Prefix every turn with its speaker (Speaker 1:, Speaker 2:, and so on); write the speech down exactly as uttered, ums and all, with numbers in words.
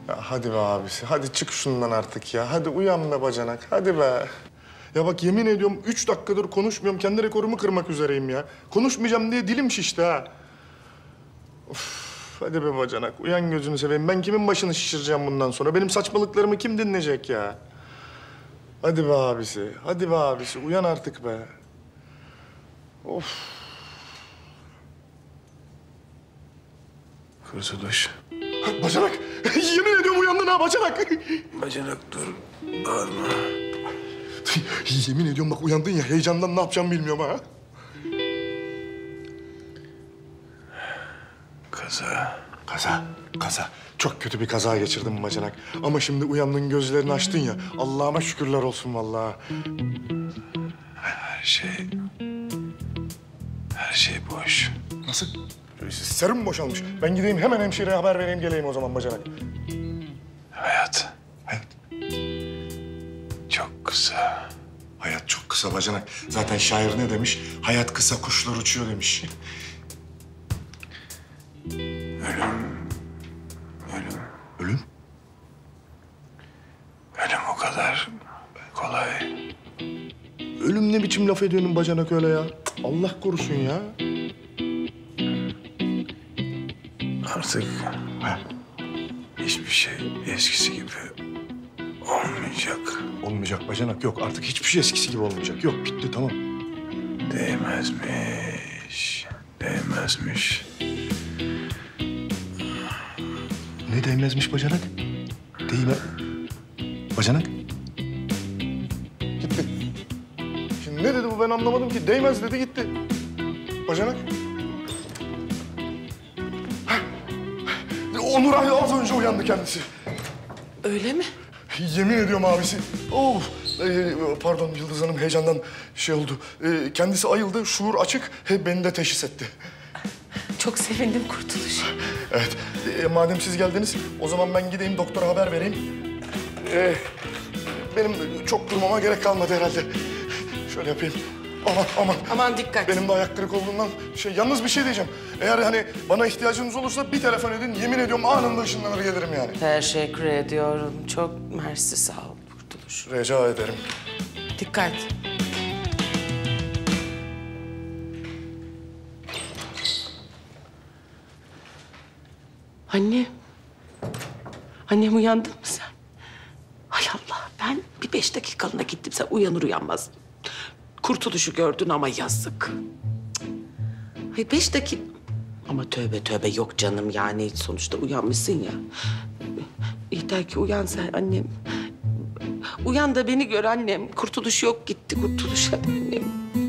Speaker 1: Ya hadi be abisi, hadi çık şundan artık ya. Hadi uyan be bacanak, hadi be. Ya bak yemin ediyorum üç dakikadır konuşmuyorum. Kendi rekorumu kırmak üzereyim ya. Konuşmayacağım diye dilim şişti ha. Of, hadi be bacanak, uyan gözünü seveyim. Ben kimin başını şişireceğim bundan sonra? Benim saçmalıklarımı kim dinleyecek ya? Hadi be abisi, hadi be abisi. Uyan artık be. Of.
Speaker 2: Kurtuluş.
Speaker 1: Bacanak, yemin ediyorum uyandın ha bacanak.
Speaker 2: Bacanak dur. Bağırma.
Speaker 1: Yemin ediyorum bak uyandın ya, heyecandan ne yapacağımı bilmiyorum ha.
Speaker 2: Kaza.
Speaker 1: Kaza, kaza. Çok kötü bir kaza geçirdim bacanak. Ama şimdi uyandın, gözlerini açtın ya. Allah'ıma şükürler olsun vallahi.
Speaker 2: Her şey... Her şey boş.
Speaker 1: Nasıl? Serum boşalmış. Ben gideyim hemen hemşireye haber vereyim, geleyim o zaman bacanak.
Speaker 2: Hayat.
Speaker 1: Hayat.
Speaker 2: Çok kısa.
Speaker 1: Hayat çok kısa bacanak. Zaten şair ne demiş? Hayat kısa, kuşlar uçuyor demiş.
Speaker 2: Ölüm. Ölüm.
Speaker 1: Ölüm?
Speaker 2: Ölüm o kadar kolay.
Speaker 1: Ölüm ne biçim laf ediyorsun bacanak öyle ya? Allah korusun ya.
Speaker 2: Artık
Speaker 1: Ha,
Speaker 2: hiçbir şey eskisi gibi olmayacak.
Speaker 1: olmayacak bacanak, yok. Artık hiçbir şey eskisi gibi olmayacak. Yok, bitti, tamam.
Speaker 2: Değmezmiş. Değmezmiş.
Speaker 1: Ne değmezmiş bacanak? Değme... Bacanak? Gitti. Şimdi ne dedi bu, ben anlamadım ki. Değmez dedi, gitti. Bacanak? Hah. Onur abi az önce uyandı kendisi.
Speaker 3: Öyle mi?
Speaker 1: Yemin ediyorum abisi. Of. Ee, pardon Yıldız Hanım, heyecandan şey oldu. Ee, kendisi ayıldı, şuur açık. He, beni de teşhis etti.
Speaker 3: Çok sevindim Kurtuluş.
Speaker 1: Evet. Ee, madem siz geldiniz, o zaman ben gideyim doktora haber vereyim. Ee, benim çok durmama gerek kalmadı herhalde. Şöyle yapayım. Aman aman.
Speaker 3: Aman dikkat.
Speaker 1: Benim de ayak kırık olduğundan şey, yalnız bir şey diyeceğim. Eğer hani bana ihtiyacınız olursa bir telefon edin. Yemin ediyorum anında ışınlanır gelirim yani.
Speaker 3: Teşekkür ediyorum. Çok mersi, sağ ol Kurtuluş.
Speaker 1: Rica ederim.
Speaker 3: Dikkat. Anne. Annem, uyandın mı sen? Hay Allah, ben bir beş dakikalığına gittim. Sen uyanır uyanmaz Kurtuluş'u gördün ama yazık. Cık. Ay beş dakika... Ama tövbe tövbe, yok canım, yani sonuçta uyanmışsın ya. Yeter ki uyan sen annem. Uyan da beni gör annem. Kurtuluş yok, gitti Kurtuluş annem.